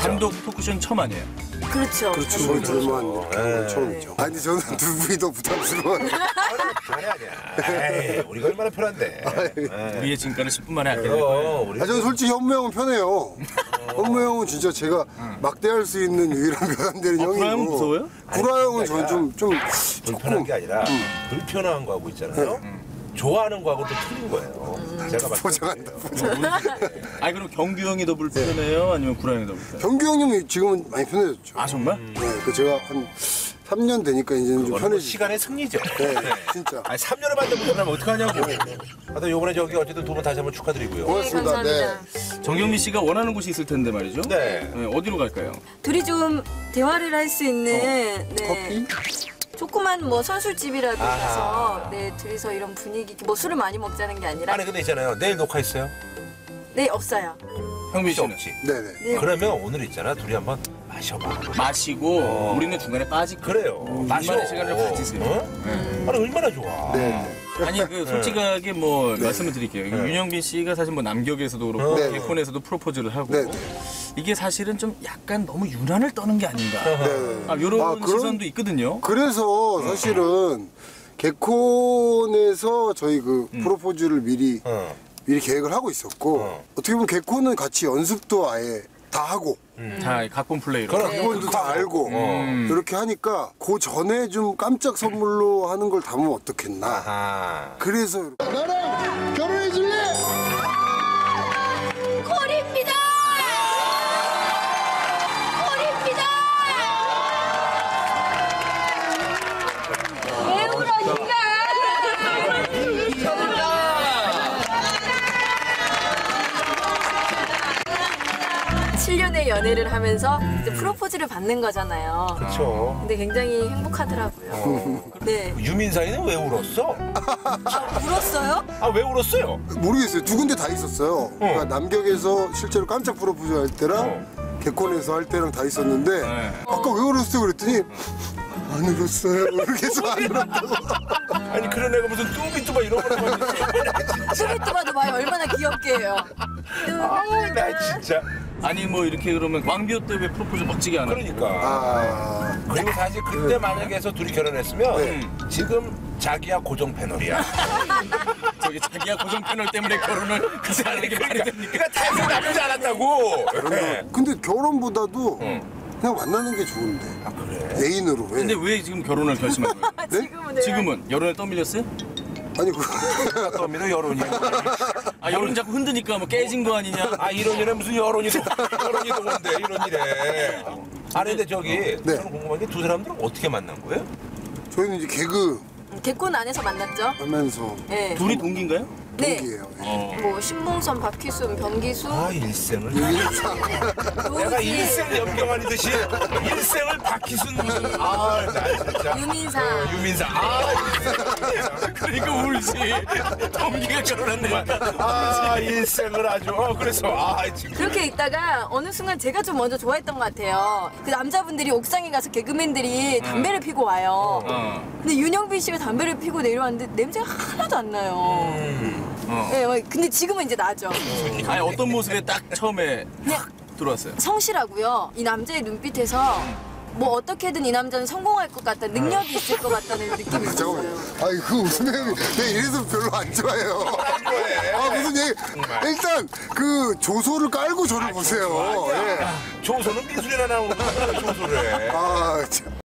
단독 토크쇼는 처음 아니에요? 그렇죠. 그렇죠. 저희 둘만 처음이죠. 아니 저는 두 분이 더 부담스러워요. 아니야. 에이, 우리가 얼마나 편한데. 우리의 진가를 10분 만에 알겠네요. 아 저는 솔직히 현무 형은 편해요. 현무 형은 진짜 제가 막대할 수 있는 유일한 면 안 되는 형이고. 구라 형은 무서워요? 구라 형은 저는 좀 불편한 게 아니라 불편한 거하고 있잖아요. 좋아하는 거하고 또 틀린 거예요. 제가 봤을 때. 포장한다. 아니 그럼 경규 형이 더 불편해요? 아니면 구라 형이 더 불편해요? 경규 형님이 지금은 많이 편해졌죠. 아 정말? 네, 그 제가 한 3년 되니까 이제는 좀 편해지죠. 시간의 승리죠. 네, 진짜. 아니 3년을 만든 불편하면 어떡하냐고. 하여튼 요번에 저기 어쨌든 두 분 다시 한번 축하드리고요. 고맙습니다. 감사합니다. 정경미 씨가 원하는 곳이 있을 텐데 말이죠? 네. 어디로 갈까요? 둘이 좀 대화를 할 수 있는 네. 커피? 조그만 뭐 선술집이라도 가서 네 둘이서 이런 분위기 뭐 술을 많이 먹자는 게 아니라 아니 근데 있잖아요. 내일 녹화 있어요? 네 없어요. 형민 씨는? 없지. 네네. 네. 그러면 오늘 있잖아. 둘이 한번 마셔봐. 마시고 우리는 중간에 빠질게요. 그래요. 둘만의 시간을 가지세요. 어? 아니 얼마나 좋아. 네. 아니 그 솔직하게 뭐 말씀을 드릴게요. 윤영빈 씨가 사실 뭐 남격에서도 그렇고 네. 개콘에서도 프로포즈를 하고 네. 이게 사실은 좀 약간 너무 유난을 떠는 게 아닌가. 네. 이런 아, 그런- 시선도 있거든요. 그래서 사실은 개콘에서 저희 그 프로포즈를 미리 계획을 하고 있었고 어떻게 보면 개콘은 같이 연습도 아예 다 하고 자, 각본 플레이로. 그럼. 기본도 다 알고 이렇게 하니까 그 전에 좀 깜짝 선물로 하는 걸 담으면 어떻겠나. 아하. 그래서 나랑 결혼해 줄래? 콜입니다. 콜입니다. 왜 울어니까? 7년의 연애를 하면서 이제 프로포즈를 받는 거잖아요. 그렇죠. 근데 굉장히 행복하더라고요. 네. 유민상이는 왜 울었어? 울었어요? 아 왜 울었어요? 모르겠어요. 두 군데 다 있었어요. 그러니까 남격에서 실제로 깜짝 프로포즈 할 때랑 개콘에서 할 때랑 다 있었는데 아까 왜 울었어요? 그랬더니 안 울었어요. 이렇게 해서 안 울었다고. 아니 그런 애가 무슨 뚱비뚜바 이런 거만 있어. 뚜비뚜바도 봐요. 얼마나 귀엽게 해요. 나 진짜. 아니 뭐 이렇게 그러면 왕비호 때 왜 프로포즈 멋지게 안 하고? 그러니까. 아, 그리고 사실 그때 만약에 해서 둘이 결혼했으면 지금 자기야 고정 패널이야. 저기 자기야 고정 패널 때문에 결혼을 그 사람에게 말이 됩니까? 그러니까 태생 나쁘지 않았다고. 근데 결혼보다도 그냥 만나는 게 좋은데. 아 그래? 애인으로 왜? 근데 왜 지금 결혼을 결심한 거예요? 지금은 내가 지금은 여론에 떠밀렸어요? 아니 그 떠미도 여론이. 여론 자꾸 흔드니까 뭐 깨진 거 아니냐? 아 이런 일에 무슨 여론이도 뭔데 이런 일에. 아니 근데 저기 저는 궁금한 게 두 사람들은 어떻게 만난 거예요? 저희는 이제 개그 개콘 안에서 만났죠? 하면서 네. 둘이 동기인가요? 네. 동기예요. 뭐 신봉선, 박희순, 변기수, 아 일생을. 내가 노지, 일생 연병하듯이 일생을 박희순 무슨 아나 진짜. 유민상. 유민상. 그러니까 울지. 동기가 결혼한다니까. 아 일생을 아주 그래서 지금 그렇게 있다가 어느 순간 제가 좀 먼저 좋아했던 것 같아요. 그 남자분들이 옥상에 가서 개그맨들이 담배를 피고 와요. 근데 윤영빈 씨가 담배를 피고 내려왔는데 냄새가 하나도 안 나요. 네, 근데 지금은 이제 나죠. 아니 어떤 모습에 딱 처음에 확 들어왔어요? 성실하고요. 이 남자의 눈빛에서 뭐 어떻게든 이 남자는 성공할 것 같다는 능력이 있을 것 같다는 느낌이 있었어요. 아니 그 웃음이 내가 이래서 별로 안 좋아해요. 아 무슨 얘기? 일단 그 조소를 깔고 저를 보세요. 예. 조소는 미술이나 나오는 거야 조소를. 아 참.